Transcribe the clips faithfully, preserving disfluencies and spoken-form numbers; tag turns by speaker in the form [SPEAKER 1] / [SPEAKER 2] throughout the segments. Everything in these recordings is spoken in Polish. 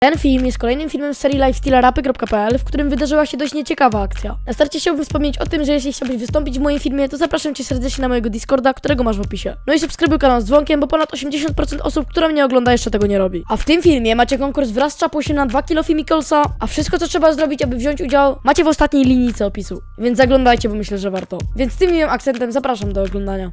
[SPEAKER 1] Ten film jest kolejnym filmem z serii lifestylerapy kropka p l, w którym wydarzyła się dość nieciekawa akcja. Na starcie chciałbym wspomnieć o tym, że jeśli chciałbyś wystąpić w moim filmie, to zapraszam cię serdecznie na mojego Discorda, którego masz w opisie. No i subskrybuj kanał z dzwonkiem, bo ponad osiemdziesiąt procent osób, która mnie ogląda, jeszcze tego nie robi. A w tym filmie macie konkurs wraz z czapusiem na dwa kilo Fimikolsa, a wszystko co trzeba zrobić, aby wziąć udział, macie w ostatniej linijce opisu. Więc zaglądajcie, bo myślę, że warto. Więc tym miłym akcentem zapraszam do oglądania.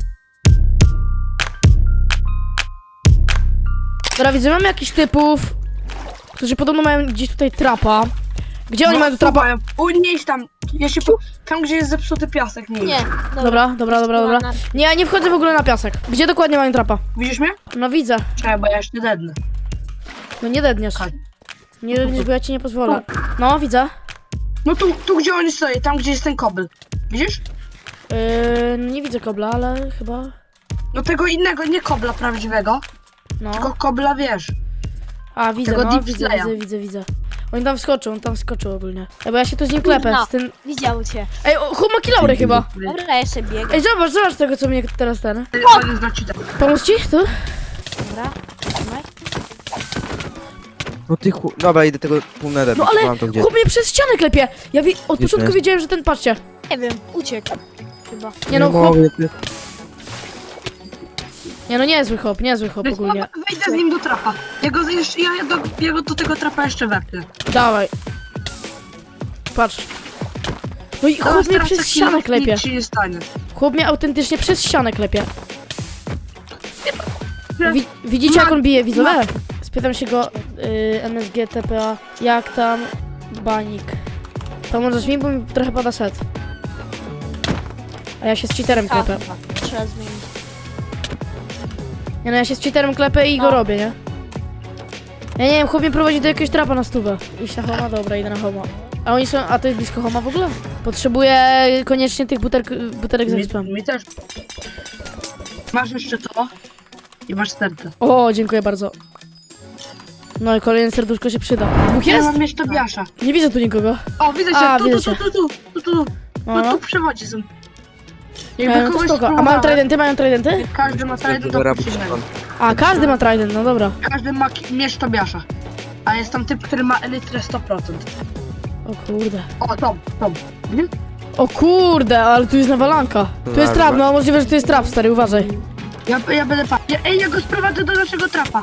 [SPEAKER 1] Dobra, widzę, mamy jakichś typów, którzy podobno mają gdzieś tutaj trapa. Gdzie oni
[SPEAKER 2] No,
[SPEAKER 1] mają tu trapa?
[SPEAKER 2] mają. U, nie idź tam. Ja się po... Tam, gdzie jest zepsuty piasek, nie idź.
[SPEAKER 3] Nie,
[SPEAKER 1] Dobra, dobra, dobra, dobra. Nie, ja nie wchodzę w ogóle na piasek. Gdzie dokładnie mają trapa?
[SPEAKER 2] Widzisz mnie?
[SPEAKER 1] No widzę.
[SPEAKER 2] Czekaj, bo ja jeszcze dednę.
[SPEAKER 1] No nie dedniesz.
[SPEAKER 2] Chodź.
[SPEAKER 1] Nie dedniesz, bo ja ci nie pozwolę. No, widzę.
[SPEAKER 2] No tu, tu gdzie oni stoją, tam gdzie jest ten kobyl. Widzisz?
[SPEAKER 1] Yy, nie widzę kobla, ale chyba...
[SPEAKER 2] No tego innego, nie kobla prawdziwego,
[SPEAKER 1] No.
[SPEAKER 2] tylko kobla, wiesz.
[SPEAKER 1] A, widzę,
[SPEAKER 2] tego
[SPEAKER 1] no,
[SPEAKER 2] deep
[SPEAKER 1] widzę,
[SPEAKER 2] slaya.
[SPEAKER 1] widzę, widzę, widzę. On tam wskoczył, on tam wskoczył ogólnie. Ej, bo ja się tu z nim klepę,
[SPEAKER 3] Kurna.
[SPEAKER 1] z tym...
[SPEAKER 3] Widział cię.
[SPEAKER 1] Ej, o, chłop ma kilaury chyba.
[SPEAKER 3] Dobra, ja jeszcze biegam.
[SPEAKER 1] Ej, zobacz, zobacz tego, co mnie teraz ten...
[SPEAKER 2] On jest na cheatach.
[SPEAKER 1] Pomóc ci? Tu?
[SPEAKER 3] Dobra, trzymaj.
[SPEAKER 4] No ty chu... Dobra, idę tego półneda,
[SPEAKER 1] No ale
[SPEAKER 4] mam to gdzieś.
[SPEAKER 1] chłop mnie przez ścianę klepie. Ja wi... od
[SPEAKER 4] Gdzie
[SPEAKER 1] początku
[SPEAKER 4] ty?
[SPEAKER 1] wiedziałem, że ten, patrzcie.
[SPEAKER 3] Nie wiem, uciekł. Chyba.
[SPEAKER 1] Nie no, chłop...
[SPEAKER 4] mogę, ty-
[SPEAKER 1] Nie no, niezły chłop, niezły chłop
[SPEAKER 2] Więc
[SPEAKER 1] ogólnie.
[SPEAKER 2] wejdę z nim do trapa. Ja go jeszcze, ja, ja, do, ja go do tego trapa jeszcze wepnę.
[SPEAKER 1] Dawaj. Patrz. No i
[SPEAKER 2] Teraz-
[SPEAKER 1] chłop mnie
[SPEAKER 2] teraz
[SPEAKER 1] przez
[SPEAKER 2] taki
[SPEAKER 1] ścianę
[SPEAKER 2] nic
[SPEAKER 1] klepie.
[SPEAKER 2] ci nie stanie.
[SPEAKER 1] Chłop mnie autentycznie przez ścianę klepie.
[SPEAKER 2] Nie.
[SPEAKER 1] Wi widzicie jak
[SPEAKER 2] Ma-
[SPEAKER 1] on bije, widzowie? Spytam się go, y, M S G, T P A, jak tam banik. Pomożesz mi, bo mi trochę pada set. A ja się z cheaterem
[SPEAKER 3] A,
[SPEAKER 1] klepę.
[SPEAKER 3] chyba. Trzeba zmienić.
[SPEAKER 1] Nie no, ja się z cheaterem klepę i go
[SPEAKER 3] No.
[SPEAKER 1] robię, nie? Ja nie wiem, chłop mnie prowadzi do jakiegoś trapa na stówę. Iść na homa? Dobra, idę na homa. A oni są, a to jest blisko homa w ogóle? Potrzebuję koniecznie tych buterk, buterek z
[SPEAKER 2] Mi,
[SPEAKER 1] expem.
[SPEAKER 2] mi też. Masz jeszcze to i masz serce.
[SPEAKER 1] O, dziękuję bardzo. No i kolejne serduszko się przyda. Dwóch
[SPEAKER 2] Ja
[SPEAKER 1] jest?
[SPEAKER 2] mam jeszcze biasza.
[SPEAKER 1] Nie widzę tu nikogo.
[SPEAKER 2] O, widzę
[SPEAKER 1] A,
[SPEAKER 2] cię, tu,
[SPEAKER 1] widzę
[SPEAKER 2] tu,
[SPEAKER 1] cię.
[SPEAKER 2] tu, tu, tu, tu, tu, tu.
[SPEAKER 1] No,
[SPEAKER 2] No tu przewodzi są.
[SPEAKER 1] e,
[SPEAKER 2] Jakby
[SPEAKER 1] no to
[SPEAKER 2] kogoś
[SPEAKER 1] spoko. A mają
[SPEAKER 2] spróbowałem,
[SPEAKER 1] tridenty, mają tridenty?
[SPEAKER 2] każdy ma trident do
[SPEAKER 4] Dobra,
[SPEAKER 2] przeciwnego.
[SPEAKER 1] A, każdy ma trident, no dobra.
[SPEAKER 2] Każdy ma ki- miecz Tobiasza. A jest tam typ, który ma elytrę sto procent.
[SPEAKER 1] O kurde.
[SPEAKER 2] O, Tom, Tom. Mhm.
[SPEAKER 1] O kurde, ale tu jest nawalanka. Tu jest trap, no możliwe, że tu jest trap, stary, uważaj.
[SPEAKER 2] Ja, ja będę pa... Ja, ej, ja go sprowadzę do naszego trapa.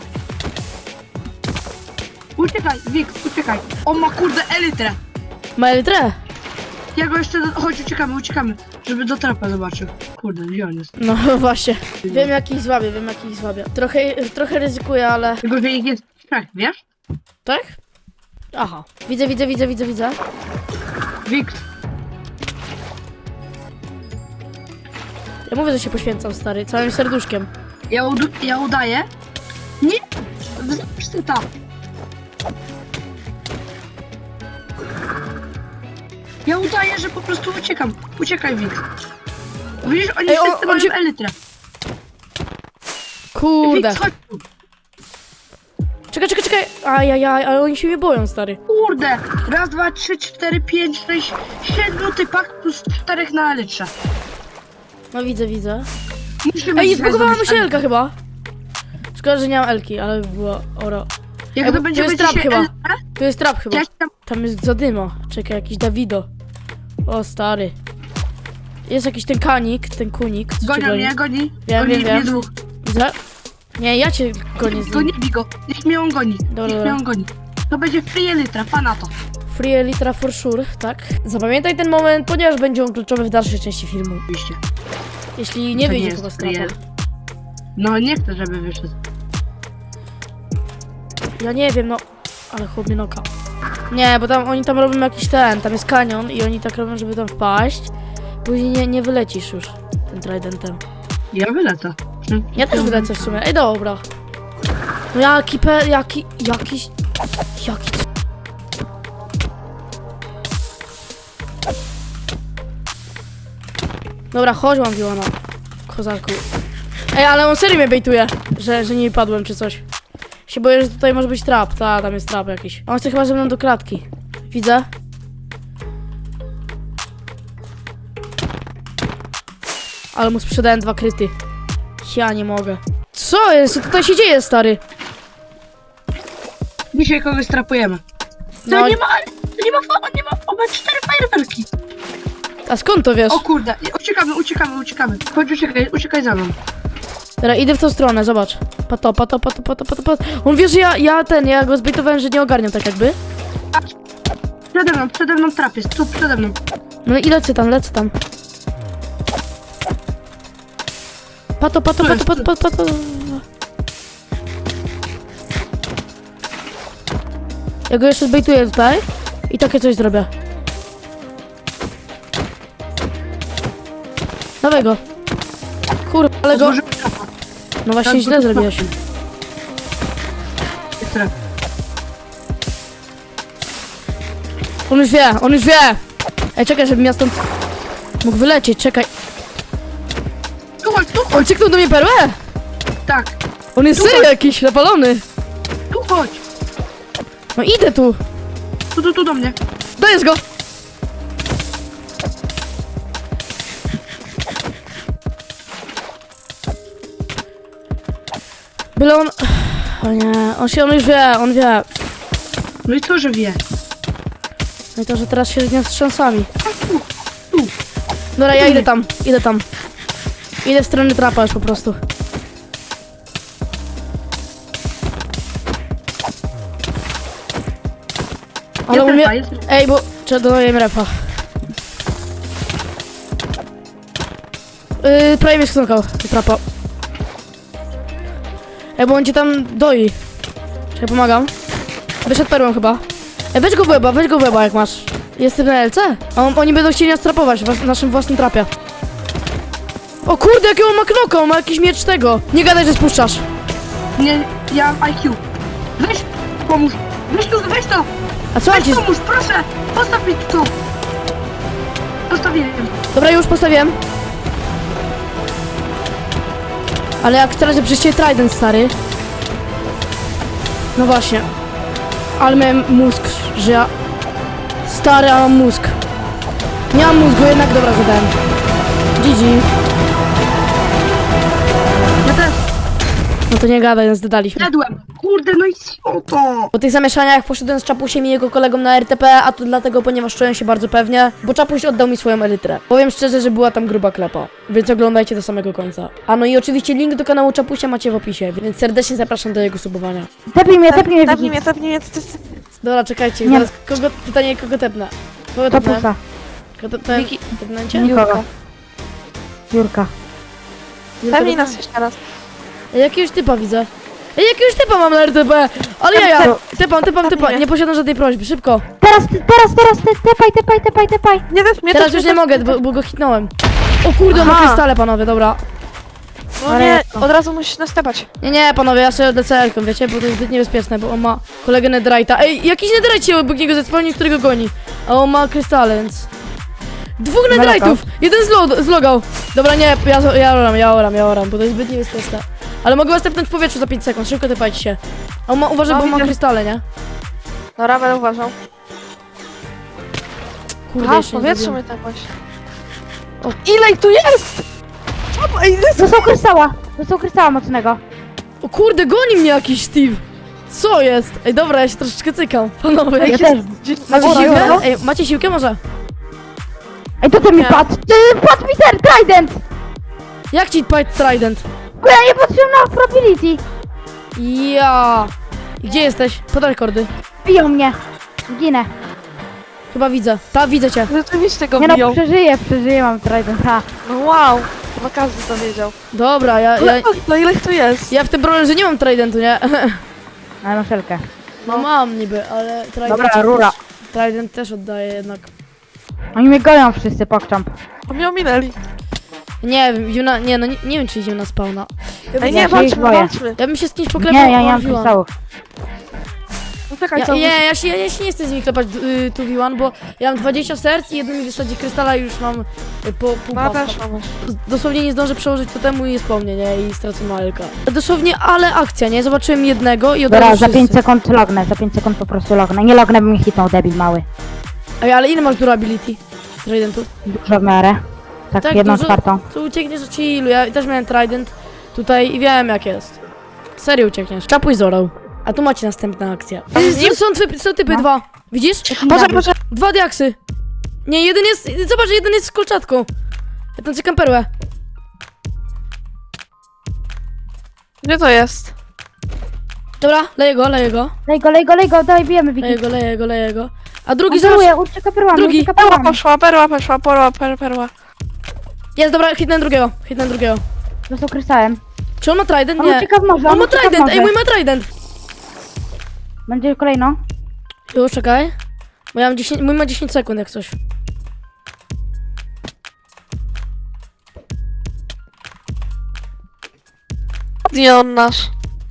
[SPEAKER 2] Uciekaj, Wik, uciekaj. On ma kurde elytrę.
[SPEAKER 1] Ma elitrę?
[SPEAKER 2] Ja go jeszcze... Do... Chodź, uciekamy, uciekamy. Żeby do trapa zobaczył. Kurde, gdzie on jest?
[SPEAKER 1] No właśnie. Wiem jak ich złabię, wiem jak ich złabię. Trochę, trochę ryzykuję, ale...
[SPEAKER 2] Tylko, że ich jest trzech, wiesz?
[SPEAKER 1] Tak? Aha. Widzę, widzę, widzę, widzę, widzę.
[SPEAKER 2] Wik,
[SPEAKER 1] Ja mówię, że się poświęcam, stary, całym serduszkiem.
[SPEAKER 2] ja, ud ja udaję. Nie! Zobacz ty tam. Ja udaję, że po prostu uciekam. Uciekaj, Wik. Widzisz, oni
[SPEAKER 1] Ej, on-
[SPEAKER 2] wszyscy
[SPEAKER 1] on
[SPEAKER 2] mają
[SPEAKER 1] się-
[SPEAKER 2] elytrę.
[SPEAKER 1] Kurde.
[SPEAKER 2] Wik, chodź tu.
[SPEAKER 1] Czekaj, czekaj, czekaj. Ajajaj, ale oni się mnie boją, stary.
[SPEAKER 2] Kurde! Raz, dwa, trzy, cztery, pięć, sześć, siedmiu typach plus czterech na elytrze.
[SPEAKER 1] No widzę, widzę.
[SPEAKER 2] Musimy
[SPEAKER 1] Ej,
[SPEAKER 2] dzisiaj
[SPEAKER 1] zbugowała mi
[SPEAKER 2] zrobić
[SPEAKER 1] się
[SPEAKER 2] elytrę.
[SPEAKER 1] Elka chyba. Szkoda, że nie mam Elki, ale by było oro.
[SPEAKER 2] Jak
[SPEAKER 1] Ej,
[SPEAKER 2] to
[SPEAKER 1] bo
[SPEAKER 2] będziemy
[SPEAKER 1] to jest trap
[SPEAKER 2] dzisiaj
[SPEAKER 1] chyba.
[SPEAKER 2] elytrę,
[SPEAKER 1] Tu jest trap chyba.
[SPEAKER 2] ja ci tam...
[SPEAKER 1] Tam jest zadyma. Czekaj, jakiś Dawido. O, stary. Jest jakiś ten kanik, ten kunik. Co cię
[SPEAKER 2] Gonią
[SPEAKER 1] goni?
[SPEAKER 2] mnie, goni.
[SPEAKER 1] Wiem,
[SPEAKER 2] goni
[SPEAKER 1] wiem,
[SPEAKER 2] mnie
[SPEAKER 1] wiem.
[SPEAKER 2] dwóch.
[SPEAKER 1] Widzę? Nie, ja cię gonię z
[SPEAKER 2] Go
[SPEAKER 1] nim.
[SPEAKER 2] nie bij go. Niech mnie on goni.
[SPEAKER 1] Dobra,
[SPEAKER 2] Niech
[SPEAKER 1] dobra.
[SPEAKER 2] mnie on goni. To będzie free elytra, pa na to.
[SPEAKER 1] Free Elitra for sure, tak? Zapamiętaj ten moment, ponieważ będzie on kluczowy w dalszej części filmu.
[SPEAKER 2] Oczywiście.
[SPEAKER 1] Jeśli nie
[SPEAKER 2] To
[SPEAKER 1] wyjdzie
[SPEAKER 2] jest
[SPEAKER 1] chyba z
[SPEAKER 2] free
[SPEAKER 1] trapa.
[SPEAKER 2] el- No nie chcę, żeby wyszedł.
[SPEAKER 1] Ja nie wiem, no. Ale chłop mnie noka. Nie, bo tam oni tam robią jakiś ten, tam jest kanion i oni tak robią, żeby tam wpaść. Później nie, nie wylecisz już tym tridentem.
[SPEAKER 2] Ja wylecę.
[SPEAKER 1] Ja też wylecę w sumie. Ej, dobra. No jaki pe... jaki... jakiś... Jaki... c- Dobra, chodź mam Wiłana. Kozaku. Ej, ale on serio mnie bejtuje, że, że nie padłem czy coś. Się boję, że tutaj może być trap. Ta, tam jest trap jakiś. On chce chyba ze mną do klatki. Widzę. Ale mu sprzedałem dwa kryty. Ja nie mogę. Co jest? Co tutaj się dzieje, stary?
[SPEAKER 2] Dzisiaj kogoś strapujemy. To
[SPEAKER 1] No.
[SPEAKER 2] nie ma, to nie ma, fa- nie ma, on ma cztery fajerwerki.
[SPEAKER 1] A skąd to wiesz?
[SPEAKER 2] O kurde, uciekamy, uciekamy, uciekamy. Chodź, uciekaj, uciekaj za mną.
[SPEAKER 1] Teraz idę w tą stronę, zobacz. Pato, pato, pato, pato, pato, pato. On wie, że ja, ja ten, ja go zbejtowałem, że nie ogarniam tak jakby.
[SPEAKER 2] Przede mną, przede mną trap jest, tu przede mną.
[SPEAKER 1] No i lecę tam, lecę tam. Pato, pato,
[SPEAKER 2] Tu
[SPEAKER 1] pato,
[SPEAKER 2] jest,
[SPEAKER 1] pato, pato, pato. Ja go jeszcze zbejtuję tutaj i takie coś zrobię. Dawaj go. Kurwa, ale go...
[SPEAKER 2] Otworzymy trapa.
[SPEAKER 1] No właśnie
[SPEAKER 2] Tak,
[SPEAKER 1] źle
[SPEAKER 2] bo to
[SPEAKER 1] zrobiłeś.
[SPEAKER 2] Jest trap.
[SPEAKER 1] On już wie, on już wie! Ej, czekaj, żebym ja stąd mógł wylecieć, czekaj.
[SPEAKER 2] Tu chodź, tu chodź,
[SPEAKER 1] On cyknął do mnie perłę!
[SPEAKER 2] tak.
[SPEAKER 1] On jest
[SPEAKER 2] Tu
[SPEAKER 1] serio
[SPEAKER 2] chodź.
[SPEAKER 1] jakiś napalony.
[SPEAKER 2] Tu chodź.
[SPEAKER 1] No idę tu.
[SPEAKER 2] Tu, tu, tu do mnie.
[SPEAKER 1] Dajesz go! Byle on... O nie, on się, on już wie, on wie.
[SPEAKER 2] No i co, że wie?
[SPEAKER 1] No i to, że teraz się z nią wstrząsami.
[SPEAKER 2] A tu, tu.
[SPEAKER 1] Dobra, ja idę tam, idę tam. Idę w stronę trapa już po prostu. Ale
[SPEAKER 2] Jest
[SPEAKER 1] u mnie...
[SPEAKER 2] refa, jest refa.
[SPEAKER 1] Ej, bo... Trzeba dodaję refa. Yy, prawie mnie sknokał, trapa. Ej, bo on cię tam doi. Czekaj, pomagam. Wyszedł perłą chyba. Ej, weź go w łeba, weź go w łeba jak masz. Jestem na L C? A on, oni będą chcieli nas trapować w was- naszym własnym trapie. O kurde, jakiego on ma knoka, on ma jakiś miecz tego. Nie gadaj, że spuszczasz.
[SPEAKER 2] Nie, ja mam I Q. Weź, pomóż. Weź tu, weź to.
[SPEAKER 1] A co on
[SPEAKER 2] Weź
[SPEAKER 1] ci... z-
[SPEAKER 2] pomóż, proszę. Postaw mi tu. Postawiłem.
[SPEAKER 1] Dobra, już postawiłem. Ale jak teraz przyjście Trident, stary. No właśnie. Ale miałem mózg, że ja... Stary, ale mam mózg. Nie mam mózgu, jednak dobra zadałem. G G.
[SPEAKER 2] Ja też
[SPEAKER 1] No to nie gadaj, nas dodaliśmy.
[SPEAKER 2] jadłem. Kurde, no i co to?
[SPEAKER 1] Po tych zamieszaniach poszedłem z Czapusiem i jego kolegą na R T P, a to dlatego, ponieważ czułem się bardzo pewnie, bo Czapuś oddał mi swoją elytrę. Powiem szczerze, że była tam gruba klepa, więc oglądajcie do samego końca. A no i oczywiście link do kanału Czapusia macie w opisie, więc serdecznie zapraszam do jego subowania.
[SPEAKER 5] Tepnij mnie, tepnij mnie,
[SPEAKER 3] Tepnij
[SPEAKER 5] Wiki.
[SPEAKER 3] mnie, tepnij mnie, ty- ty- ty-
[SPEAKER 1] Dobra, czekajcie,
[SPEAKER 5] Nie.
[SPEAKER 1] zaraz kogo, pytanie kogo tepnę? Kogo tepnę?
[SPEAKER 5] Topusa.
[SPEAKER 1] Kogo tepnę?
[SPEAKER 3] Wiki.
[SPEAKER 1] Tepnęcie?
[SPEAKER 5] Nikogo. Jurka.
[SPEAKER 1] Julka
[SPEAKER 3] Tepnij
[SPEAKER 1] tepnę?
[SPEAKER 3] nas jeszcze raz.
[SPEAKER 1] Ej, jakiegoś typa widzę. Ej, jakiegoś typa mam na R T P! Ale ja, ja! Typam, typam, typa, nie posiadam żadnej prośby, szybko!
[SPEAKER 5] Teraz, ty- teraz, teraz, ty, tepaj, tepaj, tepaj, tepaj.
[SPEAKER 3] Nie też mnie,
[SPEAKER 1] Teraz
[SPEAKER 3] też
[SPEAKER 1] już
[SPEAKER 3] mnie,
[SPEAKER 1] nie
[SPEAKER 3] też
[SPEAKER 1] mogę,
[SPEAKER 3] mnie,
[SPEAKER 1] bo, bo go hitnąłem. O kurde, on ma
[SPEAKER 3] Aha.
[SPEAKER 1] krystale, panowie, dobra.
[SPEAKER 3] No
[SPEAKER 5] Ale
[SPEAKER 3] nie,
[SPEAKER 5] jak to?
[SPEAKER 3] od razu musisz nas tepać.
[SPEAKER 1] Nie, nie, panowie, ja sobie D C L-ką, wiecie, bo to jest zbyt niebezpieczne, bo on ma kolegę Netherite'a. Ej, jakiś Netherite się obok niego zespolni, którego goni. A on ma krystale, więc... Dwóch Netherite'ów! Jeden zlo- zlogał. Dobra, nie, ja, ja oram, ja oram, ja oram, bo to jest zbyt niebezpieczne. Ale mogę was tepnąć w powietrzu za pięć sekund, szybko tepajcie się. A on ma, uważaj,
[SPEAKER 3] No,
[SPEAKER 1] bo on ma
[SPEAKER 3] widzę.
[SPEAKER 1] krystale, nie?
[SPEAKER 3] Dobra, będę uważał.
[SPEAKER 1] Kurde,
[SPEAKER 3] Aha, w
[SPEAKER 1] jeszcze nie
[SPEAKER 3] powietrzu
[SPEAKER 1] zrobiłem.
[SPEAKER 3] mnie tepać. O, ile ich tu jest? Co? Ej, ile
[SPEAKER 5] Dostał krystała. Dostał krystała mocnego.
[SPEAKER 1] O kurde, goni mnie jakiś Steve! Co jest? Ej, dobra, ja się troszeczkę cykam, panowie.
[SPEAKER 5] Ja
[SPEAKER 1] Jak
[SPEAKER 5] też.
[SPEAKER 1] jest... Macie
[SPEAKER 5] Dobra,
[SPEAKER 1] siłkę?
[SPEAKER 5] dobra.
[SPEAKER 1] Ej, macie siłkę może?
[SPEAKER 5] Ej, to ty mi
[SPEAKER 3] Nie.
[SPEAKER 5] padł. Ty, padł mi ten trident.
[SPEAKER 1] Jak ci Pied Trident?
[SPEAKER 5] Bo ja nie patrzyłem na probability.
[SPEAKER 1] Ja. I gdzie jesteś? Podaj kordy.
[SPEAKER 5] Biją mnie. Ginę.
[SPEAKER 1] Chyba widzę. Ta, widzę cię.
[SPEAKER 3] Rzeczywiście go
[SPEAKER 5] Nie no,
[SPEAKER 3] biją.
[SPEAKER 5] przeżyję, przeżyję, mam trident. Ha.
[SPEAKER 3] No wow, chyba każdy to wiedział.
[SPEAKER 1] Dobra, ja, ja,
[SPEAKER 3] Ale no ile ich tu jest?
[SPEAKER 1] ja w tym problem, że nie mam Tridentu, nie?
[SPEAKER 5] Na muszelkę.
[SPEAKER 1] No mam niby, ale Trident,
[SPEAKER 5] Dobra, rura.
[SPEAKER 1] Trident też oddaje jednak.
[SPEAKER 5] Oni mnie goją wszyscy, pokczamp.
[SPEAKER 3] A mnie ominęli.
[SPEAKER 1] Nie wiem, idziemy na, nie no, nie, nie wiem czy idziemy na spawna. Ja,
[SPEAKER 3] Ej,
[SPEAKER 1] bym-
[SPEAKER 3] nie,
[SPEAKER 5] się ich
[SPEAKER 3] walczmy,
[SPEAKER 5] boję.
[SPEAKER 3] walczmy.
[SPEAKER 1] ja bym się z kimś
[SPEAKER 5] Nie,
[SPEAKER 1] poklepał.
[SPEAKER 5] ja nie
[SPEAKER 1] o,
[SPEAKER 5] mam
[SPEAKER 1] Viwan.
[SPEAKER 5] krystałów.
[SPEAKER 3] No czekaj,
[SPEAKER 1] Ja,
[SPEAKER 3] co?
[SPEAKER 1] nie, ja się, ja się nie chcę z nimi klepać y, tu V jeden, bo ja mam dwadzieścia serc i jedno mi wysadzi krystala i już mam y, po pół
[SPEAKER 3] No ja
[SPEAKER 1] paska.
[SPEAKER 3] też mam już.
[SPEAKER 1] Dosłownie nie zdążę przełożyć totemu i jest po mnie, nie? I stracę malka. Dosłownie, ale akcja, nie? Zobaczyłem jednego i od
[SPEAKER 5] Dobra,
[SPEAKER 1] razu
[SPEAKER 5] za pięć
[SPEAKER 1] wszyscy.
[SPEAKER 5] sekund lognę, za pięć sekund po prostu lognę. Nie lognę, bym mi hitnął, debil mały.
[SPEAKER 1] Ej, ale ile masz durability? Tridentu?
[SPEAKER 5] Dużo w miarę. Tak,
[SPEAKER 1] Tak,
[SPEAKER 5] jedną
[SPEAKER 1] dużo-
[SPEAKER 5] czwartą.
[SPEAKER 1] Tu uciekniesz od chillu, ja też miałem trident tutaj i wiem jak jest. Serio uciekniesz. Czapuś zorał. A tu macie następna akcja.
[SPEAKER 3] Tam z nim?
[SPEAKER 1] Są, są, typy, są typy
[SPEAKER 5] No.
[SPEAKER 1] dwa. Widzisz?
[SPEAKER 3] Poczekaj, poczekaj.
[SPEAKER 1] Dwa diaksy. Nie, jeden jest, zobacz, jeden jest z kolczatką. Ja tam cykam perłę.
[SPEAKER 3] Gdzie to jest?
[SPEAKER 1] Dobra, leję go, leję go.
[SPEAKER 5] Lej go, lej go, lej go, daj, bijemy
[SPEAKER 1] Leję
[SPEAKER 5] Wiki.
[SPEAKER 1] go, leję go, leję go. A drugi zobacz.
[SPEAKER 5] Kontroluję, ucieka perłami,
[SPEAKER 1] Drugi.
[SPEAKER 5] ucieka
[SPEAKER 3] Perła
[SPEAKER 5] perłami.
[SPEAKER 3] poszła, perła poszła, perła, perła, perła.
[SPEAKER 1] Jest, dobra, hitnę drugiego, hitnę drugiego.
[SPEAKER 5] Został krysałem.
[SPEAKER 1] Czy on ma trident?
[SPEAKER 5] On
[SPEAKER 1] Nie.
[SPEAKER 5] ucieka w morze,
[SPEAKER 1] On
[SPEAKER 5] on
[SPEAKER 1] ma
[SPEAKER 5] ucieka w
[SPEAKER 1] trident, ej,
[SPEAKER 5] morze.
[SPEAKER 1] mój ma trident.
[SPEAKER 5] Będzie kolejno.
[SPEAKER 1] Już, czekaj. Bo ja mam dziesięć, mój ma dziesięć sekund jak coś.
[SPEAKER 3] Nie on nasz.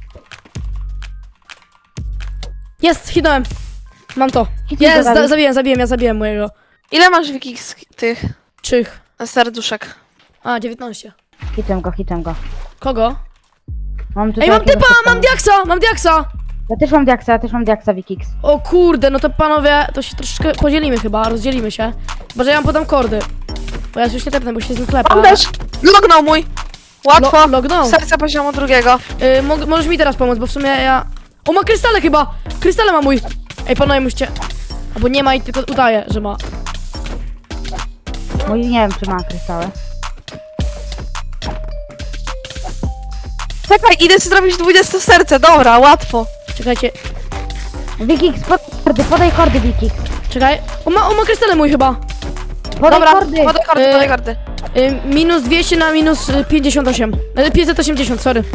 [SPEAKER 1] Jest, hitnąłem. Mam to.
[SPEAKER 5] Hitnij go,
[SPEAKER 1] Jest, za,
[SPEAKER 5] Dawid.
[SPEAKER 1] zabiłem, zabiłem, ja zabiłem mojego.
[SPEAKER 3] Ile masz wiki z tych
[SPEAKER 1] Czych.
[SPEAKER 3] serduszek?
[SPEAKER 1] A, dziewiętnaście.
[SPEAKER 5] Hitem go, hitem go.
[SPEAKER 1] Kogo?
[SPEAKER 5] Mam tutaj
[SPEAKER 1] Ej, mam
[SPEAKER 5] jakiegoś
[SPEAKER 1] typa,
[SPEAKER 5] typa.
[SPEAKER 1] mam diaksa, mam diaksa.
[SPEAKER 5] Ja też mam diaksa, ja też mam diaksa, Wikix.
[SPEAKER 1] O kurde, no to panowie, to się troszeczkę podzielimy chyba, rozdzielimy się. Chyba, że ja wam podam kordy. Bo ja już nie tepnę, bo się z nim klepa.
[SPEAKER 3] On też! Lognął mój! Łatwo!
[SPEAKER 1] Lo- lognął.
[SPEAKER 3] Serce poziomu drugiego.
[SPEAKER 1] Y, mo możesz mi teraz pomóc, bo w sumie ja... O, ma krystale chyba! Krystale ma mój! Ej, panowie, musicie... Albo nie ma i tylko udaje, że ma.
[SPEAKER 5] Mój nie wiem, czy ma kryształy.
[SPEAKER 3] Czekaj, idę ci zrobić dwudzieste serce, dobra, łatwo.
[SPEAKER 1] Czekajcie,
[SPEAKER 5] Wikix, podaj kordy, podaj kordy, Wikix.
[SPEAKER 1] czekaj. O, ma, o, ma krystale mój chyba.
[SPEAKER 5] Podaj
[SPEAKER 3] Dobra,
[SPEAKER 5] kordy.
[SPEAKER 3] podaj karty,
[SPEAKER 1] Y-
[SPEAKER 3] podaj karty.
[SPEAKER 1] Y, minus dwieście na minus y, pięćdziesiąt osiem. Y, pięćset osiemdziesiąt, sorry.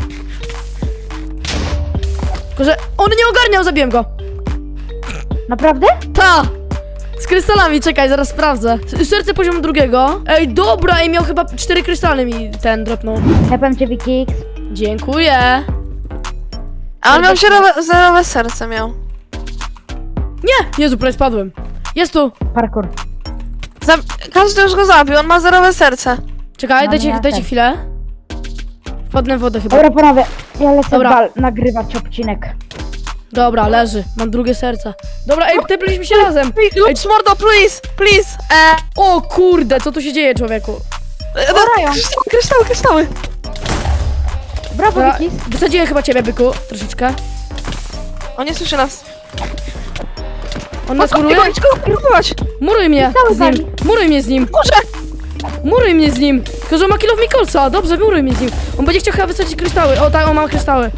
[SPEAKER 1] Tylko, że on nie ogarniał, zabiłem go.
[SPEAKER 5] Naprawdę?
[SPEAKER 1] Ta! Z krystalami, czekaj, zaraz sprawdzę. S- Serce poziomu drugiego. Ej, dobra, ej, miał chyba cztery krystale mi ten dropnął.
[SPEAKER 5] Hepem cię, Wikix.
[SPEAKER 1] Dziękuję.
[SPEAKER 3] A on miał zerowe, zerowe serce miał.
[SPEAKER 1] Nie! Jezu, prawie spadłem. Jest tu.
[SPEAKER 5] Parkour.
[SPEAKER 3] Zab każdy już go zabił, on ma zerowe serce.
[SPEAKER 1] Czekaj,
[SPEAKER 5] No
[SPEAKER 1] dajcie,
[SPEAKER 5] nie,
[SPEAKER 1] dajcie
[SPEAKER 5] tak.
[SPEAKER 1] chwilę. Wpadnę w wodę chyba.
[SPEAKER 5] Dobra, panowie, ja lecę
[SPEAKER 1] Dobra.
[SPEAKER 5] bal nagrywać odcinek.
[SPEAKER 1] Dobra, leży. Mam drugie serce. Dobra, ej, tepliśmy się razem.
[SPEAKER 3] Lux mordo, please, please. E,
[SPEAKER 1] O kurde, co tu się dzieje, człowieku?
[SPEAKER 3] e,
[SPEAKER 5] Orają.
[SPEAKER 3] kryształy, kryształy, kryształy.
[SPEAKER 5] Brawo,
[SPEAKER 1] Dobra,
[SPEAKER 5] Wikix.
[SPEAKER 1] wysadziłem chyba ciebie, byku, troszeczkę.
[SPEAKER 3] On nie słyszy nas.
[SPEAKER 1] On nas muruje?
[SPEAKER 3] Idź go próbować.
[SPEAKER 1] Muruj mnie
[SPEAKER 5] Cały
[SPEAKER 1] z nim. Muruj mnie z nim.
[SPEAKER 3] Kurze.
[SPEAKER 1] Muruj mnie z nim. Tylko, że on ma kill of Mikolsa. Dobrze, muruj mnie z nim. On będzie chciał chyba wysadzić kryształy. O, tak, on ma kryształy.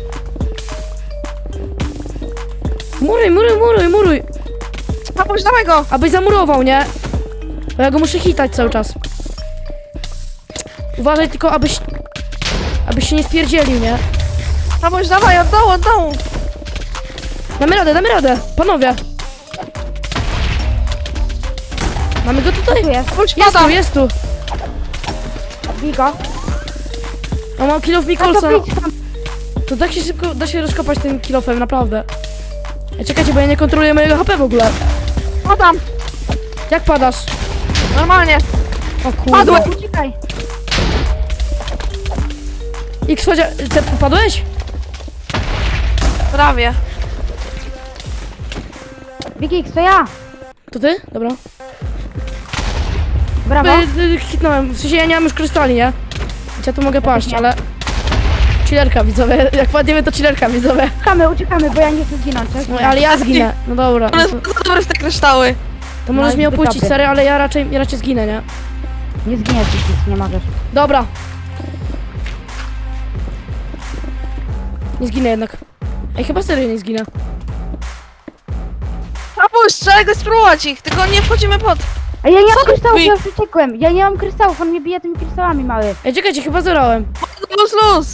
[SPEAKER 1] Muruj, muruj, muruj, muruj.
[SPEAKER 3] Papuś, dawaj go.
[SPEAKER 1] Abyś zamurował, nie? Bo ja go muszę hitać cały czas. Uważaj tylko, abyś... Abyś się nie spierdzielił, nie?
[SPEAKER 3] Papuś, dawaj, od dołu, od dołu.
[SPEAKER 1] Damy radę, damy radę. Panowie. Mamy go tutaj.
[SPEAKER 5] Tu jest.
[SPEAKER 3] Papuś,
[SPEAKER 1] Jest
[SPEAKER 3] pada.
[SPEAKER 1] tu, jest tu.
[SPEAKER 5] Bij go.
[SPEAKER 1] On ma kill of
[SPEAKER 5] A
[SPEAKER 1] Mikolsa.
[SPEAKER 5] to idź tam.
[SPEAKER 1] To tak się szybko da się rozkopać tym kilofem, naprawdę. Ej, czekajcie, bo ja nie kontroluję mojego H P w ogóle.
[SPEAKER 3] Padam.
[SPEAKER 1] Jak padasz?
[SPEAKER 3] Normalnie.
[SPEAKER 1] O kurde.
[SPEAKER 3] Padłem.
[SPEAKER 5] Uciekaj.
[SPEAKER 1] X, chodź, ty padłeś?
[SPEAKER 3] Prawie.
[SPEAKER 5] Wikix, to ja.
[SPEAKER 1] To ty? Dobra.
[SPEAKER 5] Brawo.
[SPEAKER 1] Y, y, hitnąłem, w sensie ja nie mam już krystali, nie? Więc ja tu mogę paść,
[SPEAKER 5] nie.
[SPEAKER 1] ale... Chillerka widzowie, jak padniemy to chillerka widzowie.
[SPEAKER 5] Uciekamy, uciekamy, bo ja nie chcę zginąć. tak?
[SPEAKER 1] No, ale ja zginę, no dobra.
[SPEAKER 3] On
[SPEAKER 1] No
[SPEAKER 3] jest
[SPEAKER 1] to,
[SPEAKER 3] bardzo dobry w te kryształy.
[SPEAKER 1] to możesz
[SPEAKER 5] No i
[SPEAKER 1] mnie
[SPEAKER 5] zbyt
[SPEAKER 1] opuścić,
[SPEAKER 5] dobry.
[SPEAKER 1] serio, ale ja raczej, ja raczej zginę, nie?
[SPEAKER 5] Nie zginiesz, Wikix, nie możesz.
[SPEAKER 1] Dobra. Nie zginę jednak. Ej, chyba serio nie zginę.
[SPEAKER 3] Papuś, trzeba go spróbować ich, tylko nie wchodzimy pod.
[SPEAKER 5] A ja nie
[SPEAKER 3] Co
[SPEAKER 5] mam
[SPEAKER 3] ty
[SPEAKER 5] kryształów,
[SPEAKER 3] mi-
[SPEAKER 5] ja już uciekłem. Ja nie mam kryształów, on mnie bije tymi kryształami, mały.
[SPEAKER 1] Ej, czekajcie, chyba zerałem.
[SPEAKER 3] Luz, luz.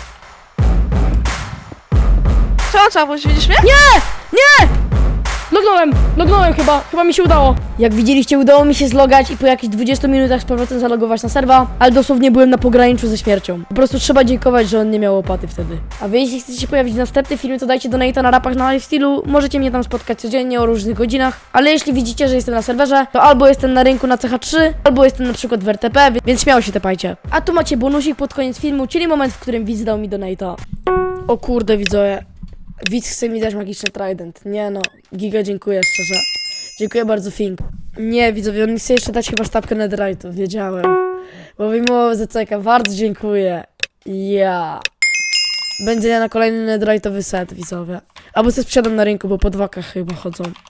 [SPEAKER 3] Co, Czapuś, widzisz mnie?
[SPEAKER 1] Nie! Nie! Lognąłem! Lognąłem chyba! Chyba mi się udało. Jak widzieliście, udało mi się zlogać i po jakichś dwudziestu minutach z powrotem zalogować na serwa, ale dosłownie byłem na pograniczu ze śmiercią. Po prostu trzeba dziękować, że on nie miał łopaty wtedy. A wy, jeśli chcecie się pojawić w następnym filmie, to dajcie donate'a na rapach na lifestylu. Możecie mnie tam spotkać codziennie o różnych godzinach, ale jeśli widzicie, że jestem na serwerze, to albo jestem na rynku na C H trzy, albo jestem na przykład w R T P, więc śmiało się tepajcie. A tu macie bonusik pod koniec filmu, czyli moment, w którym widz dał mi donate'a. O kurde, widzowie. Widz chce mi dać magiczny trident. Nie no, giga dziękuję szczerze. Dziękuję bardzo, Fink. Nie, widzowie, on mi chce jeszcze dać chyba sztabkę netherite'u, wiedziałem. Bo mimo Z C K, bardzo dziękuję. Ja. Będzie na kolejny netherite'owy set, widzowie. Albo se sprzedam na rynku, bo po dwakach chyba chodzą.